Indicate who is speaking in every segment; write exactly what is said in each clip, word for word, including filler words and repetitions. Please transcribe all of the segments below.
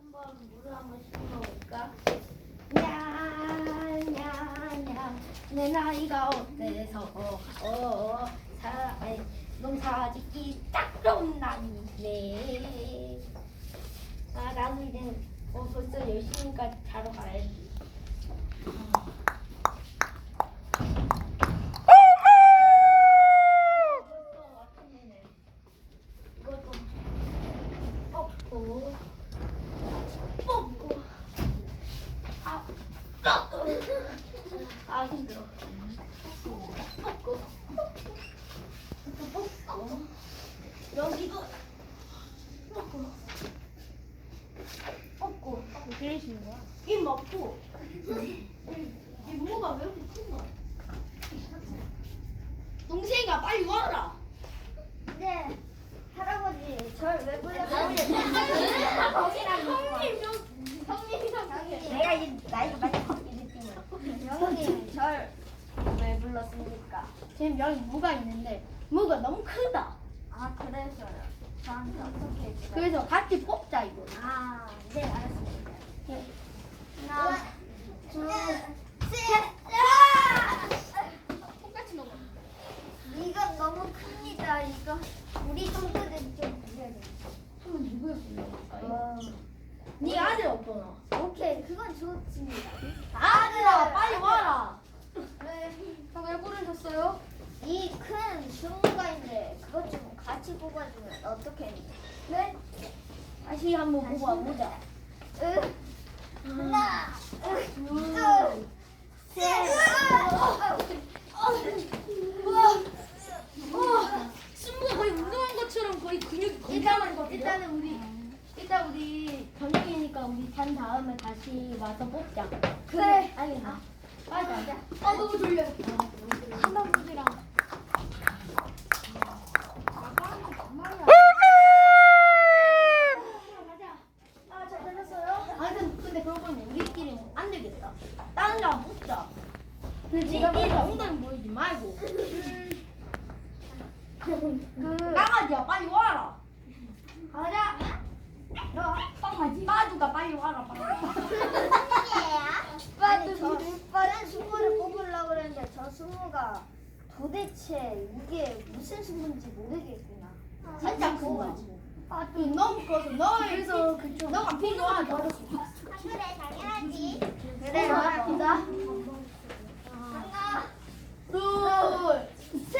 Speaker 1: 한번 물을 한번 씻어볼까? 냐냐냐 내 나이가 어때서 어 사, 농사짓기 딱 좋은 날이네. 아 나도 이제 어, 벌써 열 시니까 자러 가야지. 벌써 아침이네. 이것도 뽑고 뽑고 아 뽑고 아 힘들어. 뽑고 뽑고 여기도 뽑고 뽑고
Speaker 2: 왜 때리시는 거야?
Speaker 1: 입 먹고 이 무가 왜 이렇게 큰 거야? 동생아 빨리 와라.
Speaker 3: 네, 할아버지, 절 왜 불렀어요?
Speaker 1: 내가 이 나이가 많이 바뀌는 팀이야.
Speaker 3: 형님, 절 왜 불렀습니까?
Speaker 1: 지금 여기 무가 있는데 무가 너무 크다.
Speaker 3: 아, 그래서요. 저한테 어떻게 해주세요?
Speaker 1: 그래서 같이 뽑자 이거.
Speaker 3: 아, 네, 알았습니다.
Speaker 1: 예.
Speaker 3: 하나, 둘, 셋!
Speaker 2: 똑같이 넘어.
Speaker 3: 이건 너무 큽니다. 이거 우리 친구들 좀 드려야 돼.
Speaker 1: 한번 누구를 불러볼까요?
Speaker 3: 어,
Speaker 1: 네 아들 없잖아.
Speaker 3: 오케이, 그건 좋습니다.
Speaker 1: 아들아 빨리 와라.
Speaker 3: 네.
Speaker 2: 왜 부르셨어요?
Speaker 3: 이 큰 주문가인데 그것 좀 같이 뽑아주면 어떻게 해요? 네?
Speaker 1: 다시 한번 보고 와보자.
Speaker 3: 으, 하나, 으, 둘, 셋.
Speaker 2: 승부가 거의 운동한 것처럼 거의 근육이
Speaker 1: 일단은
Speaker 2: 건강한 것 같아요.
Speaker 1: 일단은 우리 일단 우리 저녁이니까 우리 잔 다음에 다시 와서 뽑자.
Speaker 3: 그래.
Speaker 1: 아니 나 빨리 가자.
Speaker 2: 아 너무 졸려.
Speaker 3: 할아버지랑
Speaker 1: 아, 잘 들렸어요? 아, 근데, 근데 그러고 보면 우리끼리 안 되겠다. 다른 사람 뽑자. 근데 지금 이 엉덩이 보이지 말고. 그 강아지야, 빨리 와라. 가자. 너, 강아지. 빠두가 빨리 와라, 빨리.
Speaker 3: 아니 저 다른 수모를 뽑으려고 그랬는데 저 수모가 도대체 이게 무슨 수모인지 모르겠구나.
Speaker 1: 진짜 큰가? 아, 또 너무 커서 너 그래서 그쪽 너가 필요하다.
Speaker 3: 그래 당연하지.
Speaker 1: 그래, 가자.
Speaker 3: 하나,
Speaker 1: 둘, 셋.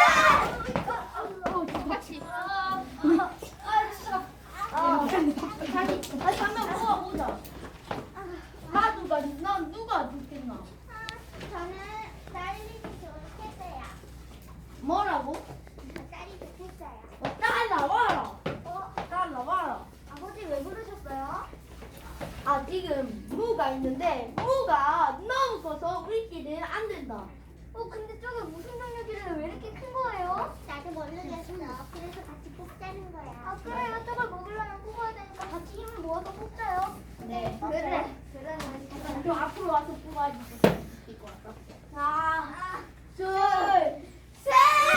Speaker 2: 똑같이.
Speaker 1: 아, 진짜. 아, 다시, 다시 한번 모아보자. 나두가, 난 누가 죽겠나?
Speaker 3: 저는 딸이 좋겠어요.
Speaker 1: 뭐라고?
Speaker 3: 딸이 좋겠어요.
Speaker 1: 어, 딸 나와라.
Speaker 3: 어,
Speaker 1: 딸 나와라.
Speaker 3: 아버지 왜 부르셨어요?
Speaker 1: 아, 지금 무가 있는데, 무가 너무 커서 우리끼리는 안 된다.
Speaker 3: 어 근데 저게 무슨 능력이길래 왜 이렇게 큰 거예요?
Speaker 4: 나도 모르겠어. 그래서 같이 뽑자는 거야.
Speaker 3: 아 그래요. 저걸 먹으려면 뽑아야 되니까 같이 힘을 모아서 뽑자요.
Speaker 1: 네.
Speaker 3: 그래. 그래.
Speaker 1: 좀 앞으로 와서 뽑아주세요. 이거 왔다. 하나, 둘, 셋!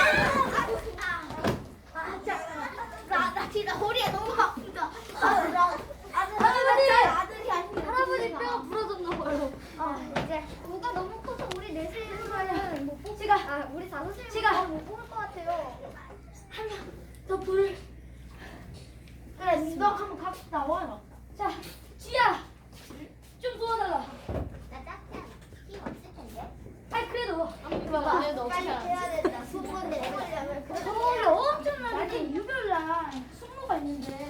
Speaker 1: 아, 자, 나, 나 진짜 허리에 너무 아프다. 아, 나, 아들,
Speaker 3: 할아버지!
Speaker 1: 아들이 아니고.
Speaker 3: 할아버지 뼈가 부러졌나 봐요.
Speaker 1: 아,
Speaker 3: 이제 뭐가 너무 커서 우리 넷이서는 못 뽑.
Speaker 1: 지가,
Speaker 3: 아 우리 다섯이면
Speaker 1: 지가.
Speaker 3: 못 뽑을 것 같아요.
Speaker 1: 한 명 더 불을. 그래, 너 한번 갑시다. 와라. 자, 지야, 좀 도와달라.
Speaker 4: 나 짝짝 힘 없을 텐데.
Speaker 1: 아이, 그래도.
Speaker 2: 봐봐. 그래도
Speaker 3: 빨리
Speaker 2: 어떻게
Speaker 3: 해야 된다. 수분을 해보려면
Speaker 1: 서울에 엄청나게 유별난 숙모가 있는데